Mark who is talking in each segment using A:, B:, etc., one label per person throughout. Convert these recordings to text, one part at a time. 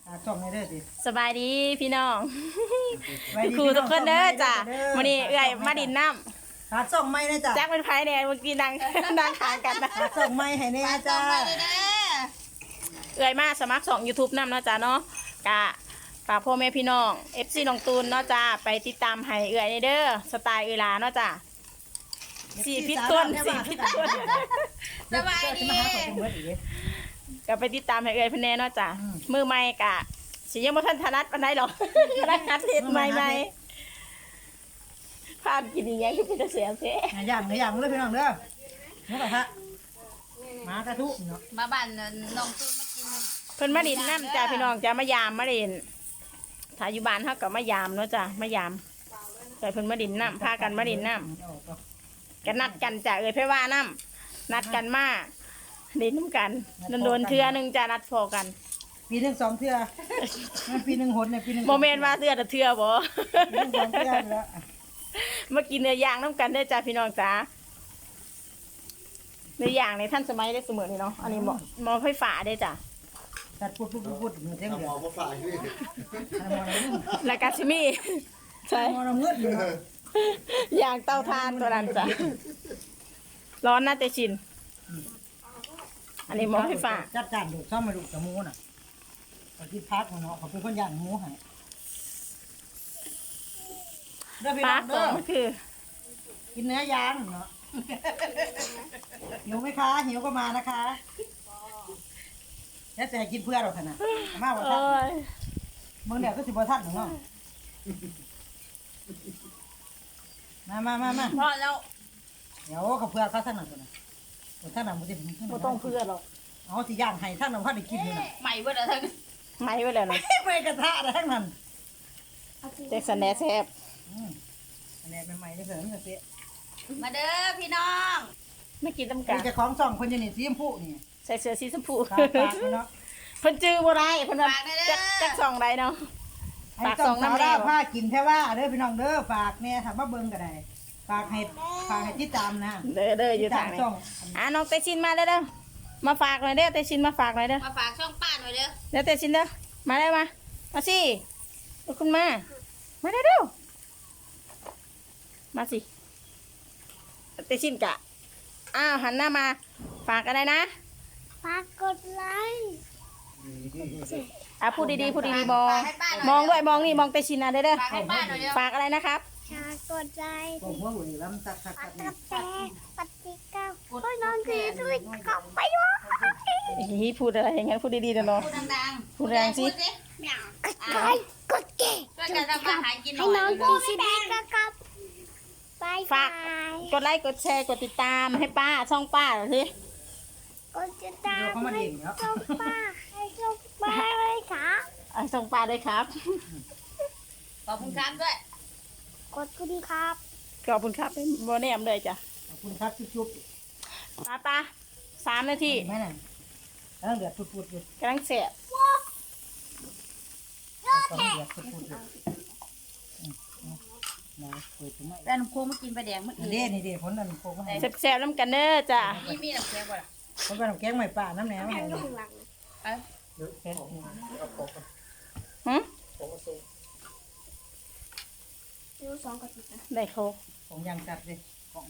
A: ส่งในเด้อสิ
B: สบายดีพี่น้องครูทุกคนเด้อจ้ะวันนี้เอื่อยมาดินน้ำ
A: ส่งไม่นะจ๊ะ
B: แจ็คเป็นไผ่เนี่ยเมื่อกี้นั่งขางกันนะ
A: ส่งไม่ให้แน่จ้า
B: เอื่อยมาสมัคร2 YouTube น้ำเนาะจ้ะเนาะกะฝากพ่อแม่พี่น้อง FC น้องตูนเนาะจ้ะไปติดตามให้เอื่อยในเด้อสไตล์เวลาเนาะจ้ะ4 พิษต้น
A: สบายดี
B: ก็ไปติดตามให้เอื่อยเพิ่นแน่เนาะจ้ะมือใหม่กะสิยังบ่ทันถนัดปานใดหรอกถนัดคัดเฮ็ดใหม่ๆภาพกินอีหยังคือเป็นตาเสียแท้
A: อย่างเลยพี่น้องเด้อนี่แหละฮะมากระทุเนาะ
C: มาบ้านน้องตูนมากิน
B: เพิ่นมาดินน้ำจ้าพี่น้องจ้ามายามมาเล่นถ้าอยู่บ้านเฮาก็มายามเนาะจ้ามายามแต่เพิ่นมาดินน้ำพากันมาดินน้ำกันนัดกันจ้าเอ้ยไผว่าน้ำนัดกันมาดินน้ำกันโดนเทื่อนึงจ้านัดพอกัน
A: ปีหนึ่ง2 เทื่อมันปีหนึ่งหนเนี่ยปีหนึ่ง
B: โมเมนต์ว่าเทื่อแต่เทื่อบ่
A: ปีหนึ่ง2 เทื่อแล้ว
B: มากินเนื้อย่างน้ำกันได้จ้าพี่น้องจ้าเนื้อย่างในท่านสมัยได้เสมอนี่เนาะอันนี้หมอไฟฟ้าได้จ้า
A: ตัดพูดมือเท่งเดียว
B: แล้วก็สิมีใช่
A: มองเงือกอยู่
B: อย่างเตาถ่านตัวนั้นจ้ะร้อนน่าจะชินอันนี้หมอไฟฟ้า
A: จัดจานดูซ่อมมาดูกับหมูน่ะไปที่พักเนาะเขาเป็นคนย่างหมูให้เด้อพี่
B: ป
A: น้
B: ลา
A: อง
B: สอ
A: เด้อง
B: คือ
A: กินเนื้อย่างเนาะหิวไหมคะหิวก็มานะคะแล้วแต่กินเพื่อเราขนาดมาบ่ทัน
B: โอ้ย
A: มึงเดี๋ยวก็สิบ่ทันเนาะมา
C: พอแล้ว
A: เดี๋ยวเขาเพื่อเขาท่านนั่นก่อนนะท่านนั่นมันจะ
B: บ่ต้องเพื่อหรอก
A: เอาสิย่างให้ท่านนั่นเขาได้กินเลยนะ
C: ใหม่เบิดแล้วทั้ง
B: ไม่ไว้แล้วนะ
A: ไม่กระทะนะทั้งนั้น
B: แจ็คสันแหน่แซ่บ
A: อันนี้ใหม่ๆนี่เถอะนี่เสีย
C: มาเด้อพี่น้อง
B: ไม่กินต้ม
A: กั
B: กัน น
A: จะของส่องคนยังนี่สีชมพูนี่
B: ใส่เสื้อสีชมพู
A: ตาเนาะ
B: เพิ่นจื้อบ่ได้เพิ่นว่าจักส่องได้เนาะ
A: ฝากส่องน้ำได้ผ้ากินแค่ว่าเด้อพี่น้องเด้อฝากเนี่ยถามว่าเบิ่งก็ได้ฝากให้ติดตามนะ
B: เด้ออยู่ทางนี้น้องเตชินมาเด้อมาฝากหน่อยเด้อเตชินมาฝากหน่อยเด้อ
C: มาฝากช่องป้าหน่อยเด้อ
B: เดี๋ยวเตชินเด้อมาได้มาสิลูกคุณมาเร็วมาสิเตชินกะหันหน้ามาฝากอะไรนะ
D: ฝากกดไลค์
B: พูดดีๆมองด้วยมองนี่มองเตชินนะเด้อ
C: ฝากให้ป้าหน่อยเด้อ
B: ฝากอะไรนะครับ
D: ฝากกดไลค์
A: ผมว่าหุ่นล้ำตัก
D: ฝากกาแฟปฏิก้าวโอ้ยนอนดีด้วยกลับไปวะ
B: พูดอะไรอย่างงั้นพูดดีๆเด้อเนาะ
C: พูดดังๆ
B: พูดแรงสิ
C: พูด
D: กดไลค์กดแก
C: ช่วยกันทำมาหากินหน่
D: ให้
C: อย
D: น้องกินซีดีก็กลับไป
B: ฝากกดไลค์กดแชร์กดติดตามให้ป้าช่องป้าหน่อยสิ
D: กดติดตาม
A: เขามาเองเนาะ
D: ส่งป้าให้ส่งป้าเลยค่ะ
B: ช่องป้าด้วยครับ
C: ขอบคุณครับด้วย
D: กดคุณครับ
B: ขอบคุณครับโมเนมเลยจ้ะ
A: ขอบคุณครับจุ๊บ
B: ป้า3 นาที
A: แม่น่ะแล้วเดือดปุดๆอยู่
B: กำลังเสียบ
A: ต้องเดือดปุดๆอยู่นะเปิดถึงไหม
C: แล้วน้ำโค้งมากินปลาแดงเมื่อกี้
A: นี่เด้ผลนั่นโคกมาให้
B: แซ่บๆน้ำกันเด้อจ้ะ
C: มีน้ำแข็งบ่ล่ะ
A: ผลเป็นแกงใหม่ป่าน้ำแหนม
D: แข่
A: ให้
D: งอยู่ข้างหลัง
C: เอ้ย
B: หึ
D: ดูสองกระติกนะ
B: ได้โคก
A: ของยางจัดเลยของ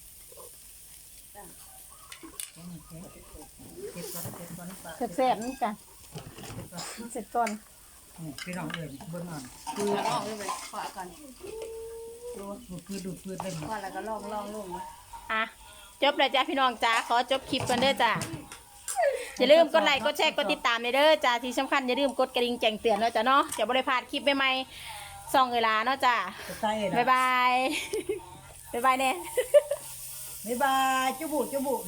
A: เก็บก่อนป่า
B: แซ่บๆน้ำกันเสร็จก่อน
A: พี่น้องเอ่ยเบิ่งอ่อน
C: เอาออกเลยขอก่อน
A: ดูดพืชเลย
C: ขอแล้วก็ลองลงมา
B: จบเลยจ้ะพี่น้องจ้าขอจบคลิปกันเด้อจ้ะอย่าลืมกดไลค์กดแชร์กดติดตามเด้อจ้ะที่สำคัญอย่าลืมกดกระดิ่งแจ้งเตือนเนาะจ้ะเนาะจะบ่ได้พลาดคลิปใหม่ๆส่องเวลาเนาะจ้ะ
A: ใส่นะ
B: บ๊ายบาย บ๊ายบายเนี่ย
A: บ๊ายบายจุบุ